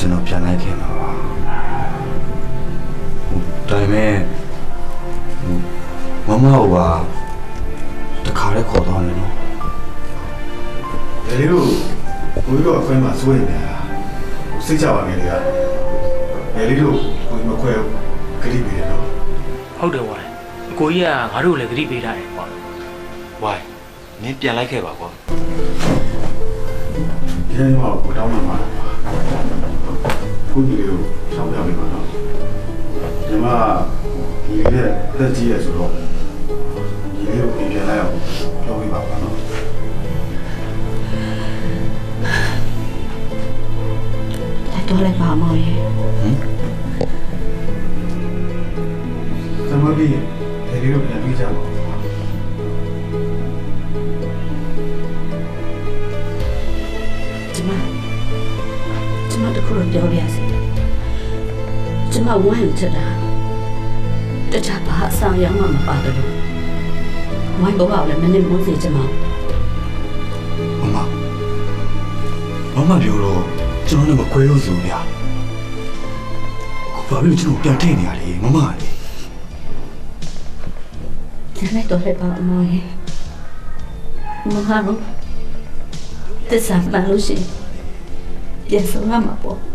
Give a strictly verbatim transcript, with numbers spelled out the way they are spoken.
ကျွန်တော်ပြန်လိုက်ခင်ပါပါဒါပေမဲ့မမကတခါလေးခေါ်သွားတယ်နော်လေတို့ကိုကြီးတော့အခွင့်မှာစိုးရင်လည်းစိတ်ချပါငယ်တွေကလေလေးတို့ကိုကြီးမခွဲဘူးဂရိပေးတယ်နော်ဟုတ်တယ်ဝိုင်းအကိုကြီးကငါတို့လည်းဂရိပေးထားတယ်ကွာဝိုင်းမင်းပြန်လိုက်ခဲ့ပါကွာဒီနေ့မှကိုတောင်းမှမှာကိုကြီးလေးကိုရှောင်းပြပေးပါနော်ဒီမှာဒီလေးနဲ့တက်ကြီးရဆိုတော့ဒီလေးကိုပြင်ပြလိုက်အောင်ပြောပေးပါပါနော်တော်လိုက်ပါမောင်ရေဟမ်သမီးလေးလေးတို့ပြန်ပြီးကြပါကျမကျမတခုတော့ပြောပြရစီကျမဝမ်းချတာတခြားဘာအဆောင်ရောက်မှမပါတယ်လို့ဝိုင်းဘောကလည်းမနဲ့မိုးစီကျမမမမမပြောတော့ကျွန်တော်လည်းမခွဲလို့ဆိုဗျာဘာလို့ကျွန်တော်ပြန်ထိနေရလဲမမလေကျန်လိုက်တော့လည်းပါမောင်ရေမဟာတော့တစ္ဆာမှန်လို့ရှိရင်ပြန်ဆုံးရမှာပေါ့